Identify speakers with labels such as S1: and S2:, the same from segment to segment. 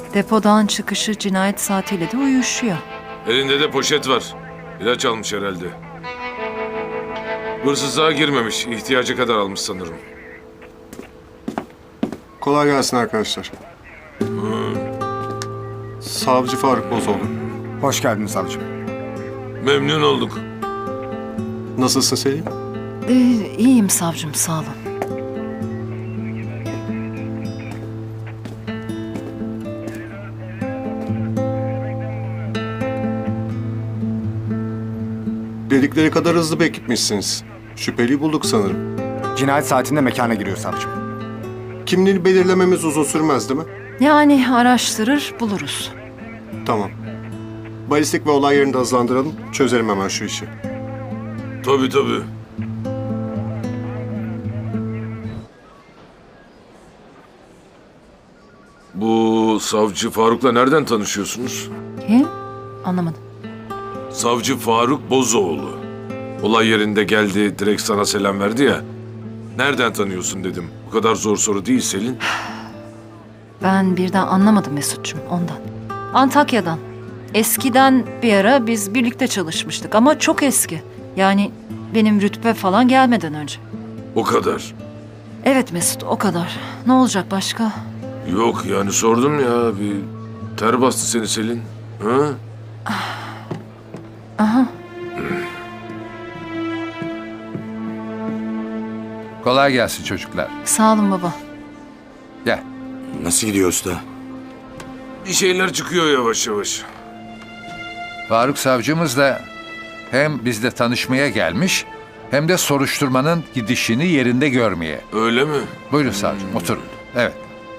S1: Depodan çıkışı cinayet saatiyle de uyuşuyor.
S2: Elinde de poşet var. İlaç almış herhalde. Hırsızlığa girmemiş. İhtiyacı kadar almış sanırım.
S3: Kolay gelsin arkadaşlar. Savcı Faruk Bozoğlu.
S4: Hoş geldin savcım.
S2: Memnun olduk.
S3: Nasılsın Selin?
S1: İyiyim savcım, sağ olun.
S3: Dedikleri kadar hızlı bir ekipmişsiniz. Şüpheliyi bulduk sanırım.
S4: Cinayet saatinde mekana giriyor savcım.
S3: Kimliğini belirlememiz uzun sürmez değil mi?
S1: Yani araştırır, buluruz.
S3: Tamam. Balistik ve olay yerini de hızlandıralım. Çözelim hemen şu işi.
S2: Tabii tabii. Bu savcı Faruk'la nereden tanışıyorsunuz?
S1: Kim? Anlamadım.
S2: Savcı Faruk Bozoğlu. Olay yerinde geldi, direkt sana selam verdi ya. Nereden tanıyorsun dedim. Bu kadar zor soru değil Selin.
S1: Ben birden anlamadım Mesut'cum, ondan. Antakya'dan. Eskiden bir ara biz birlikte çalışmıştık ama çok eski. Yani benim rütbe falan gelmeden önce.
S2: O kadar.
S1: Evet Mesut, o kadar. Ne olacak başka?
S2: Yok yani sordum ya, bir ter bastı seni Selin. Ha?
S1: Aha.
S5: Kolay gelsin çocuklar.
S1: Sağ olun baba.
S5: Gel.
S6: Nasıl gidiyor usta?
S2: Bir şeyler çıkıyor yavaş yavaş.
S5: Faruk savcımız da hem bizle tanışmaya gelmiş hem de soruşturmanın gidişini yerinde görmeye.
S2: Öyle mi?
S5: Buyurun savcım, oturun. Evet.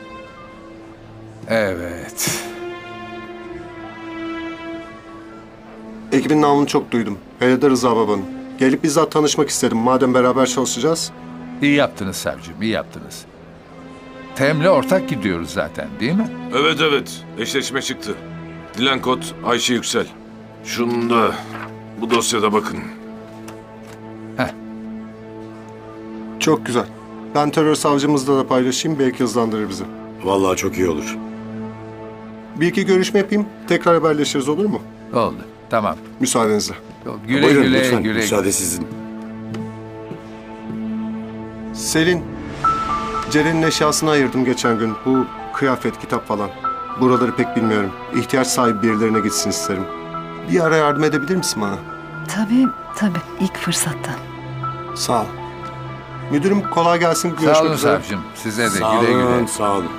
S5: Evet.
S3: Ekibin namını çok duydum. Hele de Rıza babanın. Gelip bizzat tanışmak istedim. Madem beraber çalışacağız.
S5: İyi yaptınız savcım, iyi yaptınız. Tem'le ortak gidiyoruz zaten, değil mi?
S2: Evet evet, eşleşme çıktı. Dilan kod Ayşe Yüksel. Şunu da bu dosyada bakın.
S3: Çok güzel. Ben terör savcımızla da paylaşayım. Belki hızlandırır bizi.
S6: Vallahi çok iyi olur.
S3: Bir iki görüşme yapayım. Tekrar haberleşiriz, olur mu?
S5: Oldu, tamam.
S3: Müsaadenizle.
S5: Güle
S6: Buyurun
S5: güle,
S6: lütfen.
S5: güle.
S6: Müsaade sizin.
S3: Selin, Ceren'in eşyasını ayırdım geçen gün. Bu kıyafet, kitap falan. Buraları pek bilmiyorum. İhtiyaç sahibi birilerine gitsin isterim. Bir ara yardım edebilir misin bana?
S1: Tabii. İlk fırsatta.
S3: Sağ ol. Müdürüm kolay gelsin. Görüşmek
S5: Sağ olun
S3: üzere.
S5: savcım, size de
S6: Sağ
S5: güle
S6: olun,
S5: güle.
S6: sağ olun.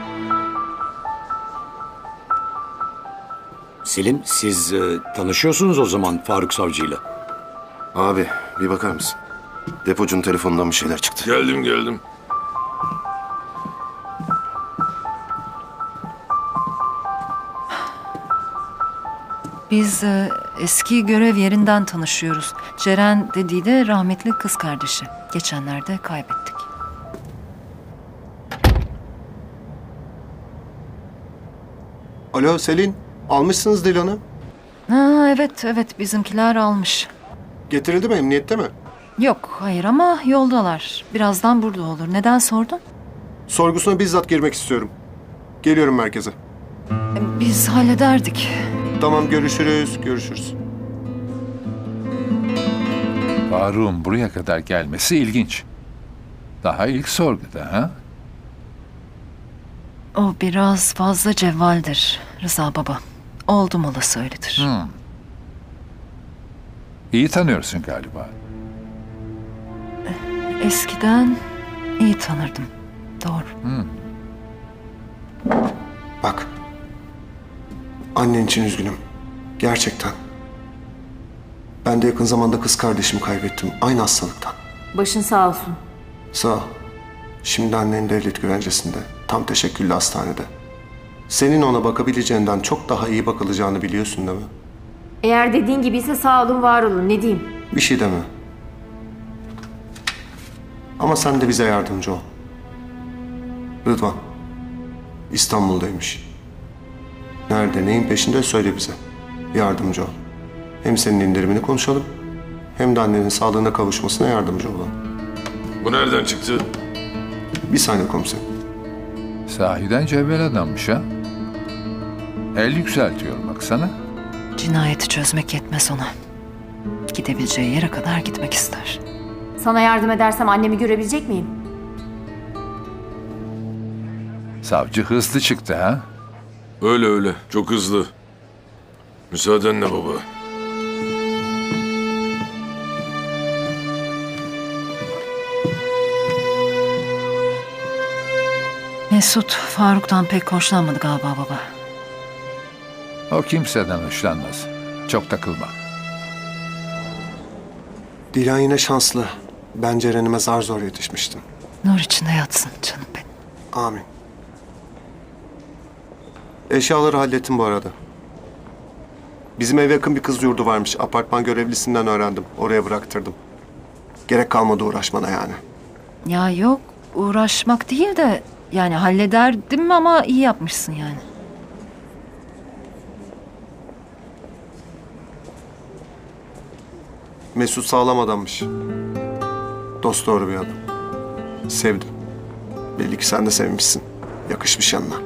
S6: Selim, siz tanışıyorsunuz o zaman Faruk Savcı'yla.
S7: Abi bir bakar mısın? Depocunun telefonundan bir şeyler çıktı.
S2: Geldim.
S1: Biz eski görev yerinden tanışıyoruz. Ceren dediği de rahmetli kız kardeşi. Geçenlerde kaybettik.
S3: Alo Selin, almışsınız Dilan'ı.
S1: Ha, evet bizimkiler almış.
S3: Getirildi mi, emniyette mi?
S1: Yok, hayır ama yoldalar. Birazdan burada olur. Neden sordun?
S3: Sorgusuna bizzat girmek istiyorum. Geliyorum merkeze.
S1: Biz hallederdik.
S3: Tamam, görüşürüz.
S5: Faruk'un buraya kadar gelmesi ilginç. Daha ilk sorguda ha?
S1: O biraz fazla cevvaldir Rıza baba. Oldum olası öyledir.
S5: İyi tanıyorsun galiba.
S1: Eskiden iyi tanırdım. Doğru.
S3: Bak. Annen için üzgünüm. Gerçekten. Ben de yakın zamanda kız kardeşimi kaybettim. Aynı hastalıktan.
S8: Başın sağ olsun.
S3: Sağ ol. Şimdi annen devlet güvencesinde. Tam teşekküllü hastanede. Senin ona bakabileceğinden çok daha iyi bakılacağını biliyorsun değil mi?
S8: Eğer dediğin gibiyse sağ olun, var olun. Ne diyeyim?
S3: Bir şey deme. Ama sen de bize yardımcı ol. Rıdvan. İstanbul'daymış. Nerede, neyin peşinde söyle bize. Yardımcı ol. Hem senin indirimini konuşalım, hem de annenin sağlığına kavuşmasına yardımcı olalım.
S2: Bu nereden çıktı?
S3: Bir saniye komiserim.
S5: Sahiden cevvel adammış ha? El yükseltiyor baksana.
S1: Cinayeti çözmek yetmez ona. Gidebileceği yere kadar gitmek ister.
S8: Sana yardım edersem annemi görebilecek miyim?
S5: Savcı hızlı çıktı ha?
S2: Öyle öyle. Çok hızlı. Müsaadenle baba.
S1: Mesut Faruk'tan pek hoşlanmadı galiba baba.
S5: O kimseden hoşlanmaz. Çok takılma.
S3: Dilan yine şanslı. Ben Ceren'ime zar zor yetişmiştim.
S1: Nur içinde yatsın canım benim.
S3: Amin. Eşyaları hallettim bu arada. Bizim eve yakın bir kız yurdu varmış. Apartman görevlisinden öğrendim. Oraya bıraktırdım. Gerek kalmadı uğraşmana yani.
S1: Ya yok uğraşmak değil de yani hallederdim ama iyi yapmışsın yani.
S3: Mesut sağlam adammış. Dosdoğru bir adam. Sevdim. Belli ki sen de sevmişsin. Yakışmış yanına.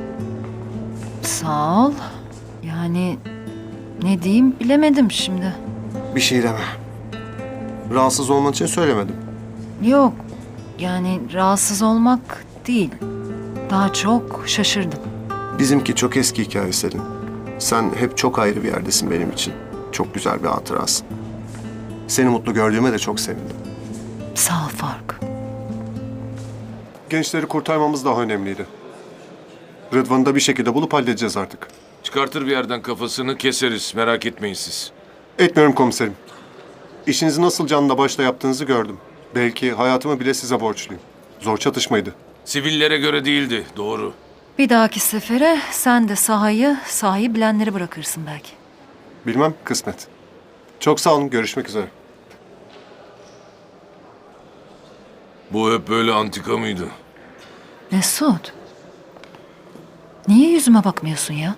S1: Sağ ol. Yani ne diyeyim bilemedim şimdi.
S3: Bir şey deme. Rahatsız olman için söylemedim.
S1: Yok yani rahatsız olmak değil. Daha çok şaşırdım.
S3: Bizimki çok eski hikaye Selin. Sen hep çok ayrı bir yerdesin benim için. Çok güzel bir hatırasın. Seni mutlu gördüğüme de çok sevindim.
S1: Sağ ol Faruk.
S3: Gençleri kurtarmamız daha önemliydi. Rıdvan'ı da bir şekilde bulup halledeceğiz artık.
S2: Çıkartır bir yerden kafasını keseriz. Merak etmeyin siz.
S3: Etmiyorum komiserim. İşinizi nasıl canla başla yaptığınızı gördüm. Belki hayatımı bile size borçluyum. Zor çatışmaydı.
S2: Sivillere göre değildi. Doğru.
S1: Bir dahaki sefere sen de sahayı bilenleri bırakırsın belki.
S3: Bilmem, kısmet. Çok sağ olun, görüşmek üzere.
S2: Bu hep böyle antika mıydı?
S1: Mesut. Niye yüzüme bakmıyorsun ya?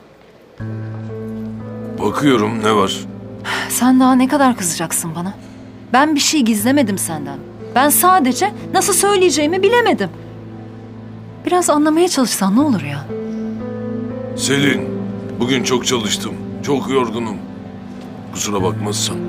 S2: Bakıyorum, ne var?
S1: Sen daha ne kadar kızacaksın bana? Ben bir şey gizlemedim senden. Ben sadece nasıl söyleyeceğimi bilemedim. Biraz anlamaya çalışsan ne olur ya?
S2: Selin, bugün çok çalıştım. Çok yorgunum. Kusura bakmazsan.